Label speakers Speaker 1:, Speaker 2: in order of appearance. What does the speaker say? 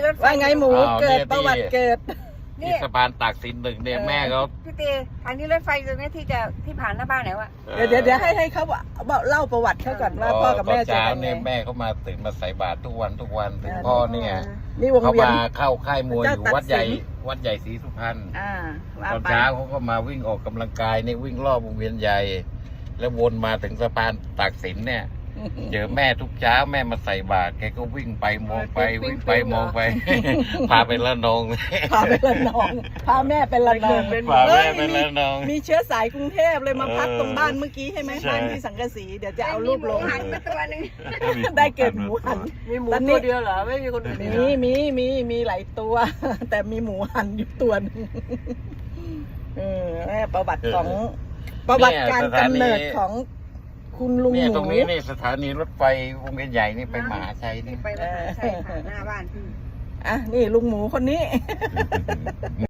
Speaker 1: รถไฟ
Speaker 2: ว่าไงหมู
Speaker 3: อ้าว
Speaker 2: เกิด
Speaker 3: เนี่ย
Speaker 2: ประวัติเกิด
Speaker 3: ที่สะพานตากสินหนึ่งเนี่ยแม่เขา
Speaker 1: พี่ตีทางนี้รถไฟตรงนี้ที่ผ่านหน้าบ้านไหนวะ
Speaker 2: เดี๋ยวให้เขาเล่าประวัติเขาก่อนว่าพ่อกับแม่เจอ
Speaker 3: เช้า
Speaker 2: กันไง
Speaker 3: เนี่ยแม่เขามาตื่นมาใส่บาตรทุกวันถึงพ่อเนี่ย
Speaker 2: นี่วง
Speaker 3: เขา
Speaker 2: เวียน
Speaker 3: มาเข้าค่ายมวยอยู่
Speaker 2: เจ้าตั
Speaker 3: วั
Speaker 2: ด
Speaker 3: ด
Speaker 2: สิ
Speaker 3: ใหญ่
Speaker 2: น
Speaker 3: วัดใหญ่ศรีสุพรรณ
Speaker 2: ว่า
Speaker 3: ตอน
Speaker 2: ไป
Speaker 3: เช้าเขาก็มาวิ่งออกกำลังกายเนี่ยวิ่งรอบวงเวียนใหญ่ แล้ววนมาถึงสะพานตากสินเนี่ย เจอแม่ทุกเช้าแม่มาใส่บาตรแกก็วิ่งไปมองไปวิ่งไปมองไป พาไปละนอง
Speaker 2: พาไปละนองพาแม่ไปละนอง
Speaker 3: พาแม่ไป
Speaker 2: เฮ้ย
Speaker 3: ละนอง
Speaker 2: มีเชื้อสายกรุงเทพเลยมาพักตรงบ้านเมื่อกี้ใช่ไหม
Speaker 3: ใช่
Speaker 2: บ้านที่สังกะสีเดี๋ยวจะเอารูปลง
Speaker 1: หันไปตัวนึง
Speaker 2: ได้เกิดหมูหัน
Speaker 4: มีหมู
Speaker 2: ตอนนี้
Speaker 4: ตัวเดียวเหรอไม่มีคนอื่นเลยเหรอ
Speaker 2: มีหลายตัว แต่มีหมูหันอยู่ตัวหนึงประวัติของประวัติการกำเนิดของคุณลุง
Speaker 3: เนี่ย
Speaker 2: ห
Speaker 3: ตร
Speaker 2: มู
Speaker 3: งนี้นี่สถานีรถไฟวงเวียนใหญ่นี่ไปมหาชัยนี่
Speaker 1: ไปรถไฟใช่ค่ะหน้าบ้านพี่
Speaker 2: อ่ะนี่ลุงหมูคนนี้